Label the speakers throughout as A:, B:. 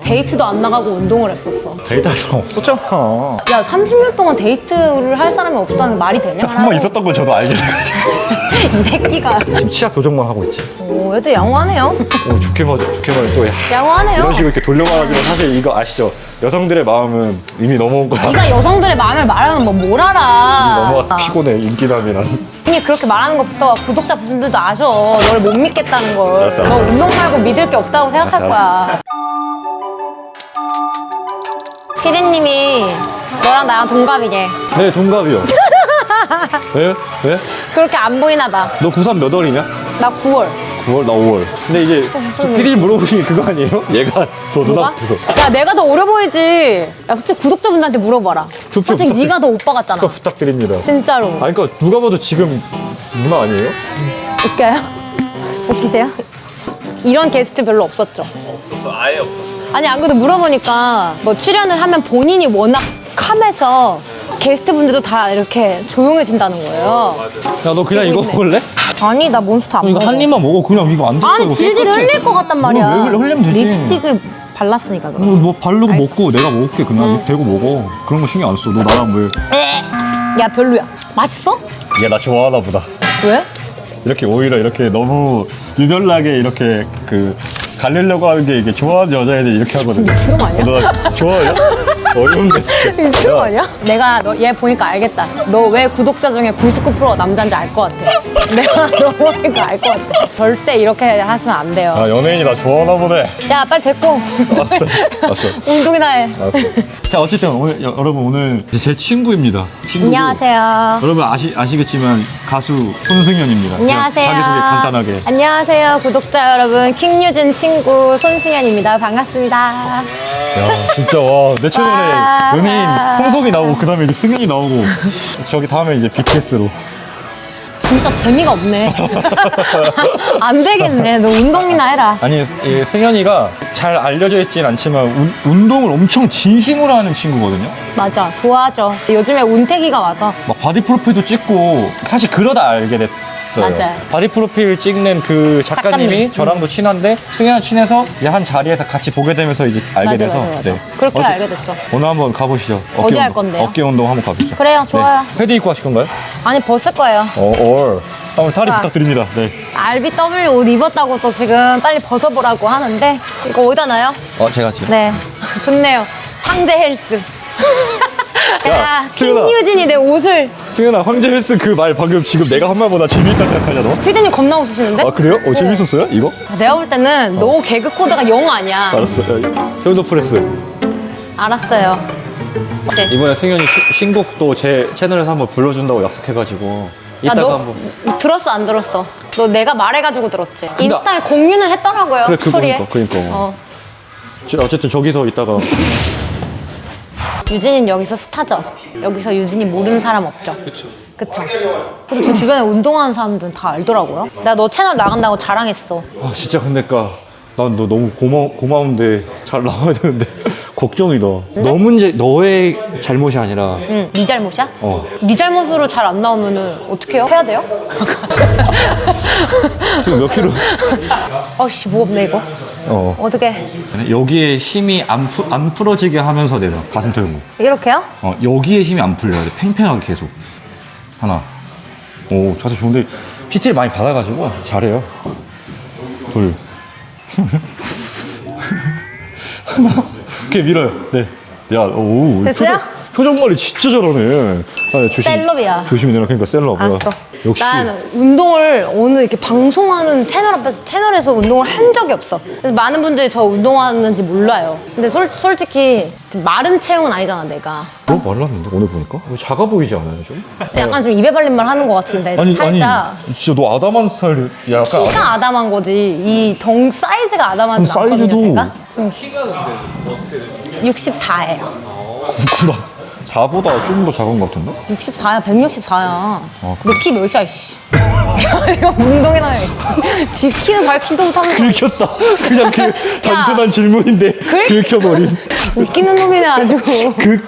A: 데이트도 안 나가고 운동을 했었어.
B: 데이트할 사람 없었잖아.
A: 야 30년 동안 데이트를 할 사람이 없다는 게 말이 되냐?
B: 한 번 있었던 걸 저도 알게 돼가지고.
A: 이 새끼가.
B: 지금 치아 교정만 하고 있지.
A: 오, 얘도 양호하네요.
B: 오, 좋게 맞아, 좋게 맞아. 또
A: 양호하네요.
B: 이런 식으로 이렇게 돌려말하지만 사실 이거 아시죠? 여성들의 마음은 이미 넘어온 거야.
A: 네가 여성들의 마음을 말하면 뭘 알아.
B: 넘어왔어. 피곤해, 인기남이란.
A: 이미 그렇게 말하는 것부터 구독자 분들도 아셔. 너를 못 믿겠다는 걸.
B: 알았어,
A: 너
B: 알았어.
A: 운동 말고 믿을 게 없다고 생각할
B: 알았어,
A: 거야. 피디님이 너랑 나랑 동갑이래.
B: 네, 동갑이요. 왜? 왜?
A: 그렇게 안 보이나 봐.
B: 너 93 몇 월이냐?
A: 나 9월.
B: 9월? 나 5월. 근데 이제 피디님 물어보신 게 그거 아니에요? 얘가 더 누나 같아서.
A: 야 내가 더 어려 보이지. 야 솔직히 구독자분들한테 물어봐라.
B: 투표
A: 솔직히 네가 더 오빠 같잖아.
B: 투표 부탁드립니다.
A: 진짜로.
B: 아니, 그러니까 누가 봐도 지금 누나 아니에요?
A: 웃겨요? 웃기세요? 이런 게스트 별로 없었죠?
B: 없었어, 아예 없었어.
A: 아니 안 그래도 물어보니까 뭐 출연을 하면 본인이 워낙 캄해서 게스트분들도 다 이렇게 조용해진다는 거예요.
B: 야, 너 그냥 이거
A: 있네.
B: 먹을래?
A: 아니 나 몬스터 안
B: 이거
A: 먹어.
B: 한 입만 먹어. 그냥 이거 안 돼.
A: 아니 질질 흘릴 것 같단 말이야.
B: 왜 흘리면 되지.
A: 립스틱을 발랐으니까 그렇지.
B: 뭐 바르고 먹고 내가 먹을게. 그냥 대고 먹어. 그런 거 신경 안 써. 너 나랑 왜?
A: 야 별로야. 맛있어?
B: 얘 나 좋아하나 보다.
A: 왜?
B: 이렇게 오히려 이렇게 너무 유별나게 이렇게 그 갈리려고 하는 게 이게 좋아하는 여자애들이 이렇게 하거든.
A: 미친놈 아니야?
B: 너 좋아해요? 어려운데 진짜.
A: 미친놈 아니야? 내가 너 얘 보니까 알겠다. 너 왜 구독자 중에 99%가 남자인지 알 것 같아. 내가 너 보니까 알 것 같아. 절대 이렇게 하시면 안 돼요.
B: 아, 연예인이 나 좋아하나 보네.
A: 야 빨리 됐고
B: 알았어.
A: 운동이나 해.
B: 알았어. 자, 어쨌든 오늘 여러분 오늘 제 친구입니다. 친구고.
A: 안녕하세요.
B: 여러분 아시겠지만 가수 손승연입니다.
A: 안녕하세요.
B: 자기소개 간단하게.
A: 안녕하세요 구독자 여러분. 킹유진 친구 손승연입니다. 반갑습니다.
B: 야, 진짜 와, 내 채널에
A: 와.
B: 연예인 홍석이 나오고 그다음에 이제 승연이 나오고 저기 다음에 이제 BTS로.
A: 진짜 재미가 없네. 안 되겠네. 너 운동이나 해라.
B: 아니, 이 승연이가 잘 알려져 있진 않지만 운동을 엄청 진심으로 하는 친구거든요.
A: 맞아. 좋아하죠. 요즘에 운태기가 와서.
B: 막 바디 프로필도 찍고 사실 그러다 알게 됐어요.
A: 맞아요.
B: 바디 프로필 찍는 그 작가님이
A: 작가님.
B: 저랑도 친한데 승연이 친해서 이제 한 자리에서 같이 보게 되면서 이제 알게 돼서
A: 맞아. 그렇게 알게 됐죠.
B: 오늘 한번 가보시죠.
A: 어디 할 건데요?
B: 어깨 운동 한번 가보시죠.
A: 그래요. 좋아요.
B: 네. 패드 입고 하실 건가요?
A: 아니 벗을 거예요.
B: 한번 탈의
A: 좋아.
B: 부탁드립니다. 네.
A: RBW 옷 입었다고 또 지금 빨리 벗어보라고 하는데 이거 어디다 놔요?
B: 제가 지금.
A: 네. 좋네요. 황제 헬스. 야,
B: 수연아.
A: 킹유진이 내 옷을.
B: 승연아, 황제 헬스 그 말 방금 지금 내가 한 말보다 재미있다 생각하냐 너?
A: 피디님 겁나 웃으시는데?
B: 아, 그래요? 재밌었어요? 이거?
A: 내가 볼 때는 너 개그 코드가 영 아니야.
B: 알았어. 숄더 프레스.
A: 알았어요. 그치?
B: 이번에 승연이 신곡도 제 채널에서 한번 불러준다고 약속해가지고
A: 야,
B: 이따가
A: 너
B: 한번.
A: 들었어 안 들었어? 너 내가 말해가지고 들었지? 인스타에 공유는 했더라고요.
B: 그래,
A: 스토리에.
B: 그러니까.
A: 어.
B: 어쨌든 저기서 이따가.
A: 유진이는 여기서 스타죠. 여기서 유진이 모르는 사람 없죠. 그쵸. 그리고 저 주변에 운동하는 사람들은 다 알더라고요. 내가 너 채널 나간다고 자랑했어.
B: 아, 진짜 근데 난 너 너무 고마운데 잘 나와야 되는데 걱정이다. 너 문제, 너의 잘못이 아니라.
A: 응, 네 잘못이야?
B: 어.
A: 네 잘못으로 잘 안 나오면은 어떻게 해요? 해야 돼요?
B: 지금 몇 킬로?
A: 어씨 무겁네 이거. 어떻게?
B: 여기에 힘이 안 풀어지게 하면서 내려. 가슴 털고.
A: 이렇게요?
B: 여기에 힘이 안 풀려야 돼. 팽팽하게 계속. 하나. 오, 자세 좋은데 PT를 많이 받아가지고 잘해요. 둘. 이렇게 밀어요. 네. 야, 오.
A: 됐어요?
B: 표정 관리 진짜 잘하네. 아,
A: 셀럽이야.
B: 조심히 내려. 그러니까 셀럽.
A: 알았어.
B: 역시.
A: 난 운동을 오늘 이렇게 방송하는 채널에서 운동을 한 적이 없어. 그래서 많은 분들이 저 운동하는지 몰라요. 근데 솔직히 마른 체형은 아니잖아 내가.
B: 너무 말랐는데 오늘 보니까? 작아 보이지 않아요 좀?
A: 약간 좀 입에 발린 말 하는 것 같은데 살짝.
B: 진짜 너 아담한 스타일. 약간
A: 키가 아담한 거지. 이 덩 사이즈가 아담하지 않거든요
B: 사이즈도.
A: 제가. 좀 키가 근데 어떻게 64예요.
B: 그렇구나. 4보다 좀 더 작은 것 같은데?
A: 64야, 164야.
B: 그래?
A: 너 키 몇이야, 이씨. 이거 운동해 놔요, 이씨. 지 키는 밝히도 못하면서.
B: 긁혔다. 그냥 그 단순한 질문인데 긁혀버린.
A: 웃기는 놈이네, 아주.
C: 그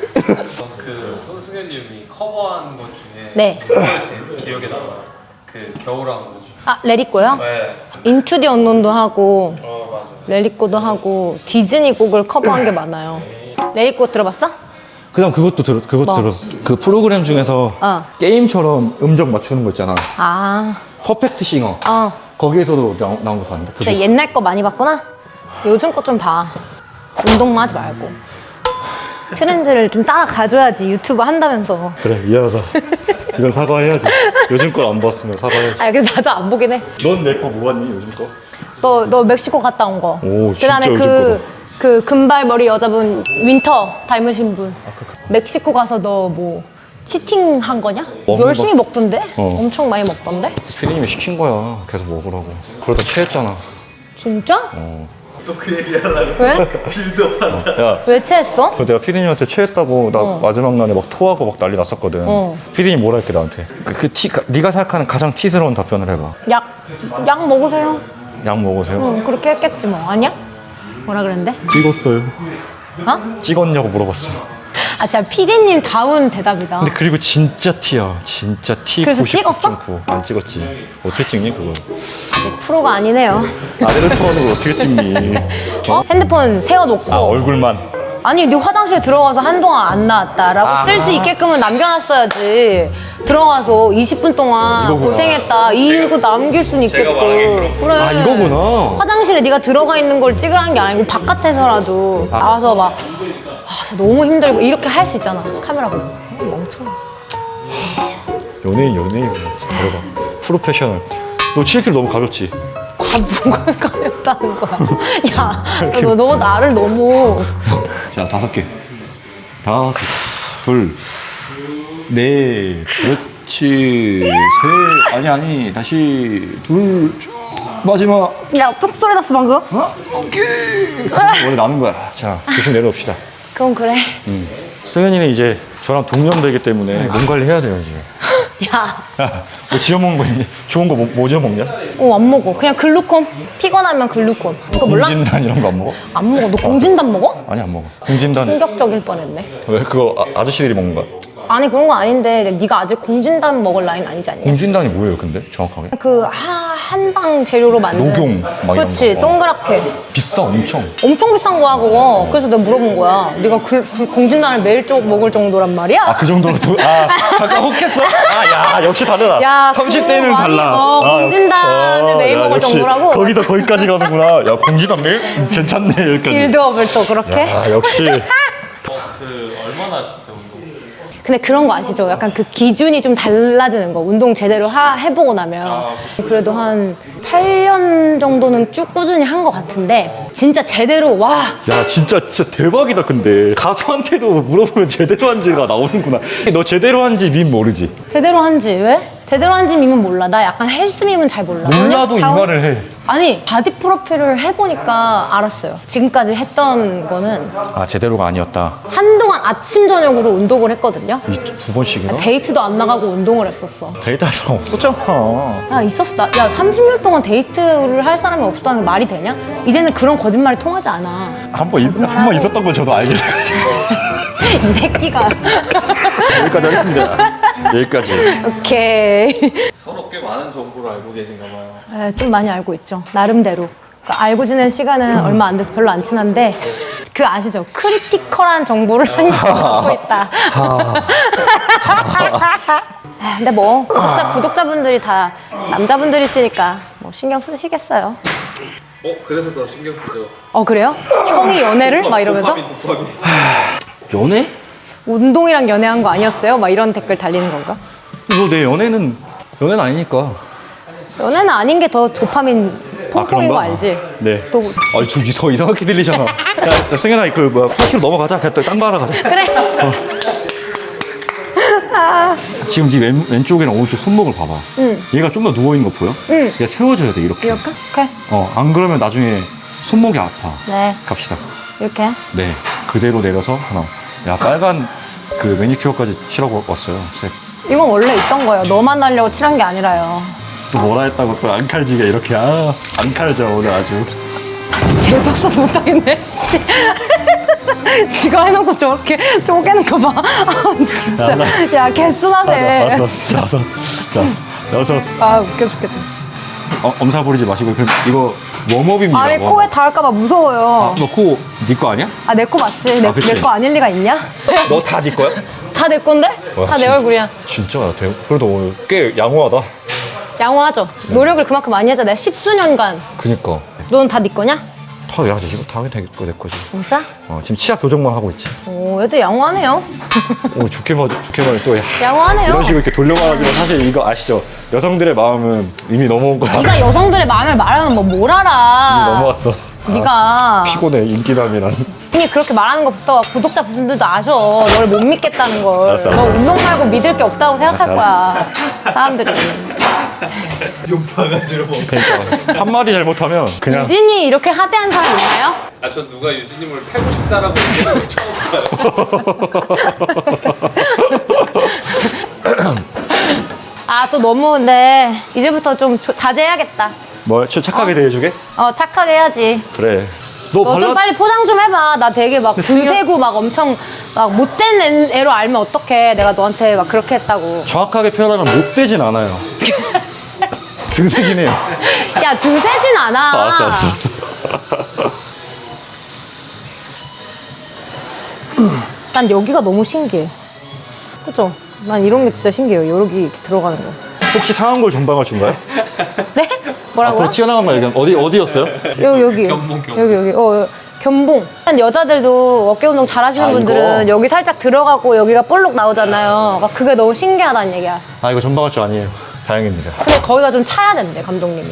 C: 손승연님이 커버한 것 중에
A: 네.
C: 그걸 제일 기억에 남아요. 그 겨울왕국.
A: 아, 레디꼬요?
C: 네.
A: 인투 디 언논도 하고 레리꼬도 하고 디즈니 곡을 커버한 게 많아요. 레리꼬 들어봤어?
B: 그다음 그것도
A: 뭐?
B: 들었어. 그 프로그램 중에서 게임처럼 음정 맞추는 거 있잖아.
A: 아,
B: 퍼펙트 싱어.
A: 어.
B: 거기에서도 나온 거 봤는데.
A: 진짜 옛날 거 많이 봤구나? 요즘 거 좀 봐. 운동만 하지 말고. 트렌드를 좀 따라가줘야지, 유튜브 한다면서.
B: 그래, 미안하다. 이건 사과해야지. 요즘 걸 안 봤으면 사과해야지.
A: 아, 근데 나도 안 보긴 해.
B: 넌 내 거 뭐 봤니, 요즘 거?
A: 너 멕시코 갔다 온 거.
B: 오,
A: 그다음에
B: 진짜 요즘
A: 그 금발머리 여자분, 윈터 닮으신 분. 멕시코 가서 너 뭐, 치팅 한 거냐?
B: 먹는
A: 열심히
B: 거.
A: 먹던데? 엄청 많이 먹던데?
B: 피디님이 시킨 거야. 계속 먹으라고. 그러다 체했잖아.
A: 진짜?
C: 또 그 얘기 하려고
A: 왜?
C: 빌드업 한다.
B: 야,
A: 왜 체했어?
B: 내가 피디님한테 체했다고 나 마지막 날에 막 토하고 막 난리 났었거든. 피디님 뭐라 했게 나한테? 네가 생각하는 가장 티스러운 답변을 해봐.
A: 약 먹으세요.
B: 약 먹으세요?
A: 응, 그렇게 했겠지 뭐. 아니야? 뭐라 그랬는데?
B: 찍었어요.
A: 어?
B: 찍었냐고 물어봤어.
A: 아, 진짜 피디님 다운 대답이다.
B: 근데 그리고 진짜 티야. 진짜 티.
A: 그래서 찍었어?
B: 99.9. 안 찍었지. 어떻게 찍니 그걸?
A: 아직 프로가 아니네요.
B: 아래를 털어놓은 걸 어떻게 찍니?
A: 어? 핸드폰 세워놓고.
B: 아 얼굴만.
A: 아니, 네 화장실 들어가서 한동안 안 나왔다라고 쓸 수 있게끔은 남겨놨어야지. 들어가서 20분 동안
B: 이거구나.
A: 고생했다. 이거 남길 수는 있겠고. 그래.
B: 아 이거구나.
A: 화장실에 네가 들어가 있는 걸 찍으라는 게 아니고 바깥에서라도 나와서 막 진짜 너무 힘들고 이렇게 할 수 있잖아. 카메라 보고. 멍청해.
B: 연예인이구나. 다르다. 프로페셔널. 너 7kg 너무 가볍지?
A: 뭐가 가렵다는 거야. 야, 너 나를 너무.
B: 자 5개. 5, 둘, 넷, 그렇지. 셋. 아니 다시 둘. 마지막.
A: 야, 뚝 소리 났어 방금.
B: 어? 오케이. 원래 나는 거야. 자 조심 내려옵시다.
A: 그건 그래.
B: 승현이는 이제 저랑 동년배이기 때문에 몸 관리해야 돼요 이제.
A: 야,
B: 야, 뭐 지어 먹는 거 있니? 좋은 거 뭐 지어 먹냐?
A: 안 먹어. 그냥 글루콘. 피곤하면 글루콘. 이거 몰라?
B: 공진단 이런 거 안 먹어?
A: 안 먹어. 너 공진단 먹어?
B: 아니 안 먹어. 공진단
A: 충격적일 뻔했네.
B: 왜 그거 아저씨들이 먹는 거야?
A: 아니, 그런 거 아닌데 네가 아직 공진단 먹을 나이는 아니지 않냐?
B: 공진단이 뭐예요 근데 정확하게?
A: 그 한방 재료로 만든.
B: 녹용 막 이런
A: 그치,
B: 거.
A: 동그랗게.
B: 비싸 엄청.
A: 엄청 비싼 거야 그거. 그래서 내가 물어본 거야. 네가 공진단을 매일 쪽 먹을 정도란 말이야?
B: 아 그 정도로 잠깐 혹했어? 아 야 역시 다르다.
A: 야,
B: 30대는
A: 그거 많이-
B: 달라.
A: 공진단을 매일 먹을
B: 역시
A: 정도라고?
B: 거기서 거기까지 가는구나. 야 공진단 매일? 괜찮네 여기까지.
A: 빌드업을 또 그렇게?
B: 아 역시.
C: 그 얼마나 하셨어요 운동?
A: 근데 그런 거 아시죠? 약간 그 기준이 좀 달라지는 거. 운동 제대로 해보고 나면. 그래도 한 8년 정도는 쭉 꾸준히 한 것 같은데 진짜 제대로 와.
B: 야 진짜 대박이다. 근데 가수한테도 물어보면 제대로 한지가 나오는구나. 너 제대로 한지 밈 모르지?
A: 제대로 한지 왜? 제대로 한지 밈은 몰라. 나 약간 헬스 밈은 잘 몰라.
B: 몰라도 이
A: 샤워-
B: 말을 해.
A: 아니, 바디 프로필을 해보니까 알았어요. 지금까지 했던 거는
B: 아 제대로가 아니었다.
A: 한동안 아침 저녁으로 운동을 했거든요.
B: 두 번씩이나?
A: 데이트도 안 나가고 운동을 했었어.
B: 데이트할 사람 없었잖아.
A: 야, 있었어. 야, 30년 동안 데이트를 할 사람이 없었다는 게 말이 되냐? 이제는 그런 거짓말이 통하지 않아.
B: 한 번 있었던 건 저도 알게 돼가지고.
A: 이 새끼가.
B: 여기까지 하겠습니다. 여기까지.
A: 오케이.
C: 서로 꽤 많은 정보를 알고 계신가 봐요.
A: 좀 많이 알고 있죠. 나름대로. 그러니까 알고 지낸 시간은 얼마 안 돼서 별로 안 친한데 그 아시죠? 크리티컬한 정보를 많이 갖고 있다. 근데 뭐 구독자분들이 다 남자분들이시니까 뭐 신경 쓰시겠어요.
C: 그래서 더 신경 쓰죠.
A: 그래요? 형이 연애를? 막 이러면서?
C: 도파민.
B: 연애?
A: 운동이랑 연애한 거 아니었어요? 막 이런 댓글 달리는 건가?
B: 너 내 연애는 아니니까.
A: 연애는 아닌 게 더 도파민 퐁퐁인 거 알지?
B: 네.
A: 또
B: 아니 저 이상하게 들리잖아. 자 승현아 그 뭐야 8kg 넘어가자. 그냥 딴 거 하러 가자.
A: 그래.
B: 지금 네 왼쪽이랑 오른쪽 손목을 봐봐.
A: 응.
B: 얘가 좀 더 누워 있는 거 보여?
A: 응.
B: 얘가 세워져야 돼 이렇게.
A: 이렇게? 오케이.
B: 안 그러면 나중에 손목이 아파.
A: 네.
B: 갑시다.
A: 이렇게.
B: 네. 그대로 내려서 하나. 야 빨간 그 매니큐어까지 칠하고 왔어요. 셋.
A: 이건 원래 있던 거예요. 너만 하려고 칠한 게 아니라요.
B: 또 뭐라 했다고 또 안 칼지게 이렇게 안 칼져 오늘 아주.
A: 재수없어서 못하겠네. 씨. 지가 해놓고 저렇게 쪼개는 거 봐. 진짜. 야, 개순하네.
B: 5, 자 6.
A: 아, 웃겨 죽겠다.
B: 엄살 부리지 마시고 이거 웜업입니다.
A: 아니
B: 웜업.
A: 코에 닿을까봐 무서워요.
B: 너 코 네 거 아니야?
A: 아 내 거 맞지?
B: 아, 그치.
A: 내 거 아닐 리가 있냐?
B: 너 다 네 거야?
A: 다 내 건데?
B: 와,
A: 다 내
B: 진짜.
A: 얼굴이야.
B: 진짜 그래도 오늘 꽤 양호하다.
A: 양호하죠? 노력을 그만큼 많이 하자. 내가 10수년간.
B: 그니까
A: 너는 다 네 거냐?
B: 다 해야지. 이거 다 내 거지.
A: 진짜?
B: 지금 치아 교정만 하고 있지.
A: 오 얘도 양호하네요.
B: 오 좋게 말해 또
A: 양호하네요.
B: 이런 식으로 이렇게 돌려 말하지만 사실 이거 아시죠? 여성들의 마음은 이미 넘어온 거야.
A: 네가 여성들의 마음을 말하면 뭐 뭘
B: 이미
A: 알아?
B: 넘어왔어.
A: 네가
B: 피곤해 인기남이란.
A: 이미 그렇게 말하는 것부터 구독자분들도 아셔. 너를 못 믿겠다는 걸.
B: 알았어,
A: 너
B: 알았어.
A: 운동 말고 믿을 게 없다고 생각할
B: 알았어,
A: 거야. 사람들이.
C: 욕 바가지로 먹.
B: 그러니까 한마디 잘못하면 그냥
A: 유진이 이렇게 하대한 사람 있나요?
C: 아전 누가 유진님을 패고 싶다라고 얘기하는 걸 처음 봐요.
A: 아 또 너무 근데 이제부터 좀 자제해야겠다.
B: 뭘 착하게 대해주게?
A: 착하게 해야지.
B: 그래.
A: 너 좀 빨리 포장 좀 해봐. 나 되게 막 분세고 막 엄청 막 못된 애로 알면 어떡해. 내가 너한테 막 그렇게 했다고.
B: 정확하게 표현하면 못되진 않아요. 등색이네요.
A: 야 드세진 않아.
B: 알았어.
A: 난 여기가 너무 신기해. 그죠? 난 이런 게 진짜 신기해요. 여기 이렇게 들어가는 거.
B: 혹시 상한 걸 전방을 준가요?
A: 네? 뭐라고요?
B: 앞으로 튀어나간 거 얘기하면 어디였어요?
A: 여기.
C: 견봉.
A: 여기. 견봉. 여자들도 어깨 운동 잘 하시는 분들은
B: 이거?
A: 여기 살짝 들어가고 여기가 볼록 나오잖아요. 막 그게 너무 신기하다는 얘기야.
B: 이거 전방할 줄 아니에요. 다행입니다.
A: 근데 거기가 좀 차야 된대, 감독님이.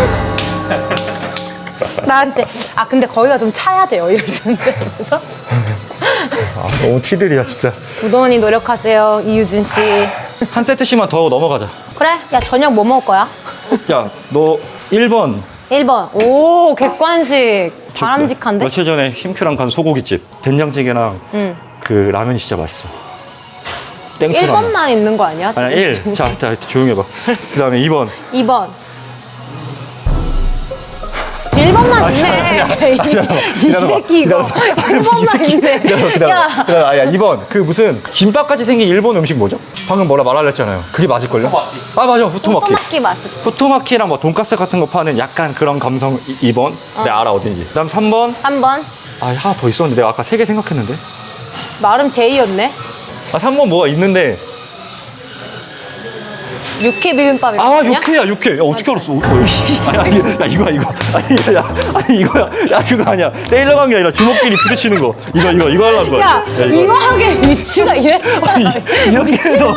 A: 나한테. 근데 거기가 좀 차야 돼요. 이러시는데. 그래서.
B: 너무 티들이야 진짜.
A: 부도원이 노력하세요, 이유진 씨.
B: 한 세트씩만 더 넘어가자.
A: 그래? 야, 저녁 뭐 먹을 거야?
B: 야, 너 1번
A: 1번. 오, 객관식. 바람직한데?
B: 며칠 전에 힘큐랑 간 소고기집 된장찌개랑
A: 응.
B: 그 라면이 진짜 맛있어. 땡초 라면.
A: 1번만 있는 거 아니야?
B: 아니야 1. 자 조용히 해봐. 그 다음에 2번.
A: 2번. 1번만 있네. 이 새끼 이거. 1번만 있네. 야.
B: 2번. 그 무슨 김밥같이 생긴 일본 음식 뭐죠? 방금 뭐라 말하려 했잖아요. 그게 맞을걸요?
C: 후토마키.
B: 맞아. 후토마키.
A: 토마키 맛있지.
B: 후토마키랑 뭐 돈가스 같은 거 파는 약간 그런 감성 2번. 내가 알아 어딘지. 그 다음 3번.
A: 3번.
B: 하나 더 있었는데 내가 아까 3개 생각했는데.
A: 나름 제이였네.
B: 3번 뭐가 있는데.
A: 육회 비빔밥이거든요.
B: 육회. 야, 어떻게 알았어? 이거야. 그거 아니야. 때리려고 게 아니라 주먹끼리 부딪히는 거. 이거 하려는 거야.
A: 야, 이거 하게 위치가 이랬잖아.
B: 이렇게 해서.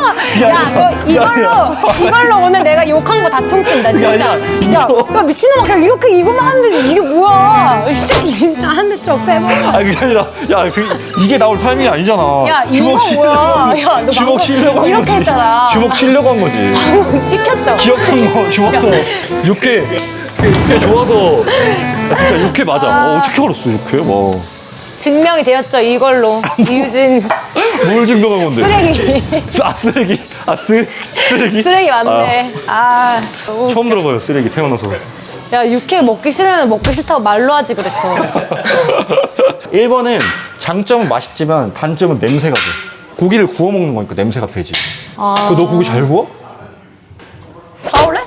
A: 이걸로 오늘 내가 욕한 거 다 퉁친다, 진짜. 야, 미친놈아, 그냥 이렇게 이거만 하면 되지. 이게 뭐야. 이 새끼 진짜 한 대 쳐 빼먹어.
B: 그게 아니라, 이게 나올 타이밍이 아니잖아.
A: 야, 이거 뭐야. 야, 너
B: 주먹
A: 방금
B: 치려고 한
A: 이렇게
B: 거지.
A: 했잖아.
B: 주먹 치려고 한 거지.
A: 찍혔죠?
B: 기억한 거 좋아서. 육회 좋아서. 진짜 육회 맞아. 어떻게 알았어, 육회? 와.
A: 증명이 되었죠, 이걸로. 이유진
B: 뭘 증명한 건데?
A: 쓰레기.
B: 쓰레기?
A: 쓰레기 맞네. 너무
B: 처음 들어봐요, 쓰레기 태어나서.
A: 야, 육회 먹기 싫으면 먹기 싫다고 말로 하지 그랬어.
B: 1번은 장점은 맛있지만 단점은 냄새가 돼. 고기를 구워 먹는 거니까 냄새가 배지. 너 고기 잘 구워?
A: 싸울래?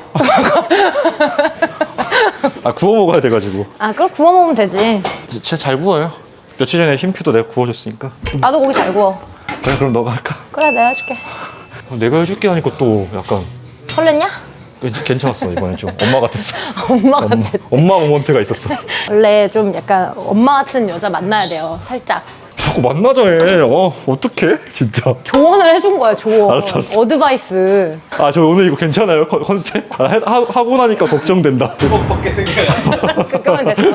B: 구워 먹어야 돼가지고.
A: 그럼 구워 먹으면 되지.
B: 진짜 잘 구워요. 며칠 전에 힘큐도 내가 구워줬으니까.
A: 나도 고기 잘 구워.
B: 그래, 그럼 너가 할까?
A: 그래, 내가 해줄게.
B: 내가 해줄게 하니까 또 약간
A: 설렜냐?
B: 괜찮았어. 이번엔 좀 엄마 같았어.
A: 엄마 같아.
B: 엄마 모먼트가 있었어.
A: 원래 좀 약간 엄마 같은 여자 만나야 돼요, 살짝.
B: 자꾸 만나자 해. 어떡해? 진짜.
A: 조언을 해준 거야, 조언.
B: 알았어.
A: 어드바이스.
B: 저 오늘 이거 괜찮아요? 컨셉? 하고 나니까 걱정된다.
C: 주먹밖에 생각 안 나.
A: 끄끄면 됐어.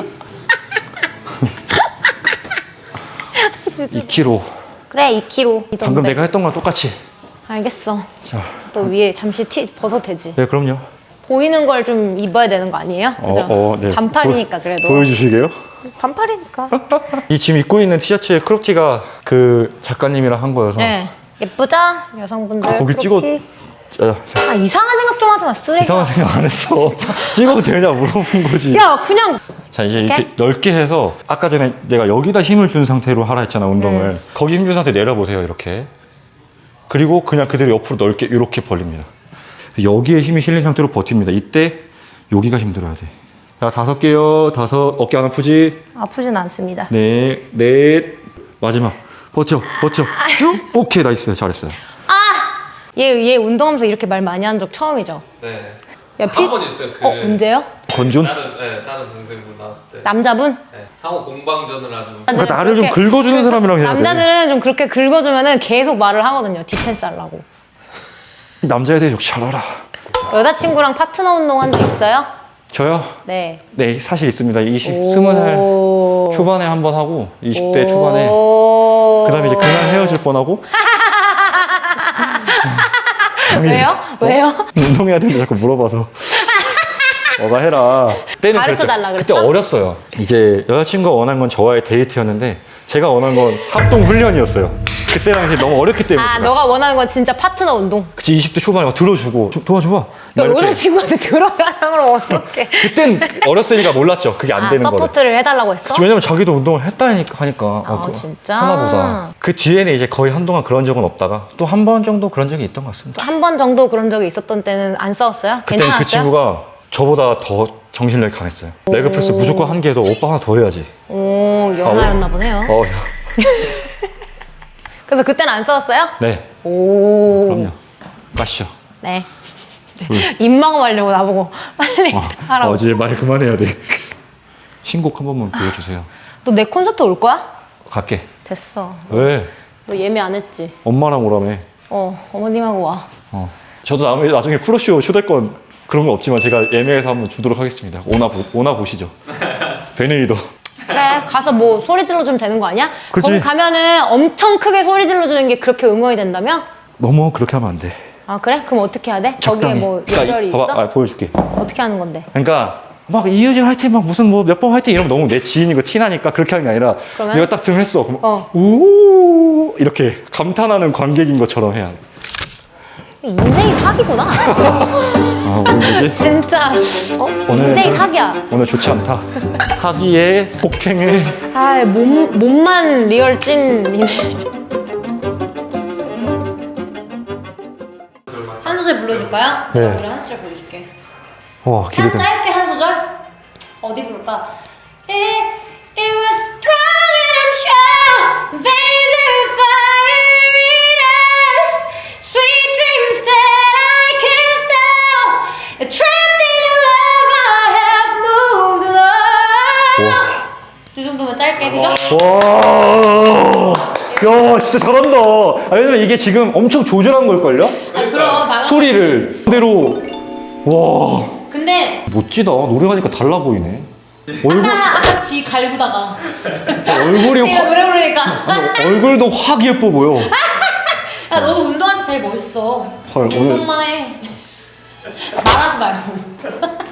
B: 2kg.
A: 그래, 2kg.
B: 방금 내가 했던 거랑 똑같이.
A: 알겠어.
B: 자.
A: 또 위에 잠시 티 벗어도 되지.
B: 네, 그럼요.
A: 보이는 걸 좀 입어야 되는 거 아니에요? 그죠?
B: 네.
A: 반팔이니까 그래도.
B: 보여주시게요?
A: 반팔이니까.
B: 이 지금 입고 있는 티셔츠의 크롭티가 그 작가님이랑 한 거여서.
A: 네. 예쁘죠? 여성분들.
B: 거기
A: 크롭티.
B: 자,
A: 이상한 생각 좀 하지 마, 쓰레기.
B: 이상한 생각 안 했어. 찍어도 되냐 물어본 거지.
A: 야, 그냥.
B: 자, 이제 이렇게 넓게 해서 아까 전에 내가 여기다 힘을 준 상태로 하라 했잖아, 운동을. 거기 힘 준 상태 내려보세요, 이렇게. 그리고 그냥 그대로 옆으로 넓게 이렇게 벌립니다. 여기에 힘이 실린 상태로 버팁니다. 이때 여기가 힘들어야 돼. 자, 5개요. 5. 어깨 안 아프지?
A: 아프진 않습니다.
B: 네, 넷. 마지막. 버텨. 쭉. 오케이, 나이스. 잘했어요.
A: 얘 운동하면서 이렇게 말 많이 한 적 처음이죠?
C: 네.
A: 야,
C: 한 번 있어요. 그
A: 언제요?
B: 건준?
C: 다른 동생분 나왔을 때.
A: 남자분?
C: 네. 상호 공방전을 아주.
B: 그러니까 나를 좀 긁어주는 사람이랑 해야 돼.
A: 남자들은 좀 그렇게 긁어주면은 계속 말을 하거든요. 디펜스 하려고.
B: 남자에 대해 역시 잘 알아.
A: 여자친구랑 파트너 운동 한 적 있어요?
B: 저요?
A: 네.
B: 네, 사실 있습니다. 20살
A: 오.
B: 초반에 한 번 하고 20대 초반에
A: 오.
B: 그다음에 이제 그날 헤어질 뻔하고
A: 왜요? 왜요?
B: 운동해야 되는데 자꾸 물어봐서 너가 해라. 그때는
A: 가르쳐달라
B: 그때
A: 그랬어?
B: 어렸어요. 이제 여자친구가 원한 건 저와의 데이트였는데 제가 원한 건 합동 훈련이었어요. 그때 당시 너무 어렸기 때문에
A: 아,
B: 제가.
A: 너가 원하는 건 진짜 파트너 운동.
B: 그치 20대 초반에 막 들어주고 도와줘봐. 막 이렇게.
A: 여자친구한테 들어가라고 그러면 어떡해.
B: 그땐 어렸으니까 몰랐죠. 그게 안 되는 거를.
A: 서포트를 해달라고 했어?
B: 왜냐면 자기도 운동을 했다니까 하니까
A: 진짜?
B: 하나보다 그 뒤에는 이제 거의 한동안 그런 적은 없다가 또 한 번 정도 그런 적이 있던 것 같습니다.
A: 한 번 정도 그런 적이 있었던 때는 안 싸웠어요?
B: 그때는
A: 괜찮았어요?
B: 그 친구가 저보다 더 정신력이 강했어요. 레그 프레스 무조건 한 개 해서 오빠 하나 더 해야지.
A: 오, 연하였나 보네요. 그래서 그때는 안 싸웠어요?
B: 네,
A: 오.
B: 그럼요. 가시죠.
A: 네. 입막음하려고 나보고 빨리 하라고.
B: 이제 말 그만해야 돼. 신곡 한 번만 불러주세요.
A: 너 내 콘서트 올 거야?
B: 갈게.
A: 됐어.
B: 왜?
A: 너 예매 안 했지?
B: 엄마랑 오라며.
A: 어머님하고 와.
B: 저도 나중에 프로쇼 초대권 그런 거 없지만 제가 예매해서 한번 주도록 하겠습니다. 오나 보시죠. 베네이더.
A: 그래, 가서 뭐 소리 질러주면 되는 거 아니야?
B: 그치.
A: 거기 가면은 엄청 크게 소리 질러주는 게 그렇게 응원이 된다며?
B: 너무 그렇게 하면 안 돼.
A: 아, 그래? 그럼 어떻게 해야 돼? 거기에
B: 적당히.
A: 뭐
B: 그러니까
A: 예절이 있어?
B: 봐봐, 보여줄게.
A: 어떻게 하는 건데?
B: 그러니까 막 이효진 화이팅 막 무슨 뭐 몇 번 화이팅 이러면 너무 내 지인이고 티나니까 그렇게 하는 게 아니라
A: 그러면?
B: 내가 딱 등을 했어. 그럼
A: 어.
B: 오 이렇게 감탄하는 관객인 것처럼 해야 돼.
A: 인생이 사기구나.
B: 오늘 뭐지?
A: 진짜.
B: 오늘
A: 인생이 사기야.
B: 오늘 좋지 않다. 사기에 폭행에
A: 아, 몸만 리얼 찐이네. 한 소절 불러줄까요?
B: 네.
A: 내가 노래 한 소절 불러줄게.
B: 와 기대돼.
A: 짧게 한 소절? 어디 부를까? It was strong and I'm sure there's a fire in us Sweet dreams that I can't stop Trapped in your love I have moved along 이 정도면 짧게 그죠?
B: 와, 야 진짜 잘한다. 왜냐면 이게 지금 엄청 조절한 걸걸요?
A: 아니 그럼 당연
B: 소리를 그대로 와
A: 근데
B: 멋지다. 노래하니까 달라 보이네.
A: 아까 지 갈구다가
B: 얼굴이
A: 제가 노래 부르니까
B: 얼굴도 확 예뻐 보여.
A: 야 너도 운동할 때 제일 멋있어
B: 헐, 오늘
A: 운동만 해 말하지 말고